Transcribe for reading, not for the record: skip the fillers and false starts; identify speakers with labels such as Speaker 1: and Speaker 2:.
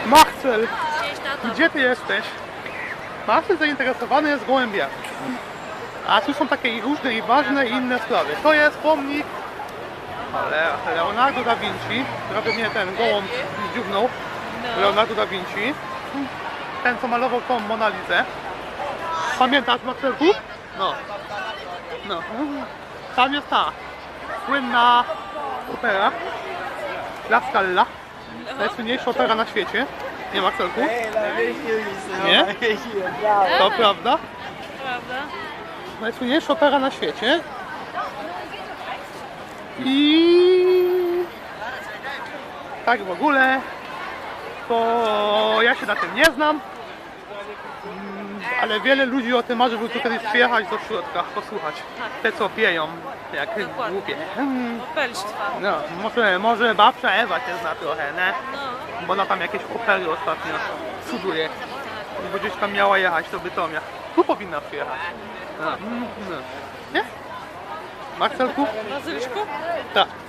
Speaker 1: Marcel,
Speaker 2: Cześć, tato.
Speaker 1: gdzie ty jesteś? Marcel zainteresowany jest gołębiami. A tu są takie różne i ważne i inne sprawy. To jest pomnik Leonardo da Vinci. Prawie mnie ten gołąb zdziugnął. Leonardo da Vinci. Ten, co malował tą Monalizę. Pamiętasz, Marcelku? No. No. Tam jest ta słynna opera La Scala. Najsłynniejsza opera na świecie. Nie, Marcelku? Nie? To prawda?
Speaker 2: Prawda?
Speaker 1: Najsłynniejsza opera na świecie. I tak w ogóle to ja się na tym nie znam, ale wiele ludzi o tym marzy, żeby tu kiedyś przyjechać do środka, posłuchać. Te co pieją, jak głupie.
Speaker 2: Opelstwa.
Speaker 1: No, może babcia Ewa się zna trochę, nie?
Speaker 2: No.
Speaker 1: Bo ona tam jakieś opery ostatnio cuduje. Bo gdzieś tam miała jechać do Bytomia. Tu powinna przyjechać. No. Nie? Marcelku?
Speaker 2: Bazyliszku?
Speaker 1: Tak.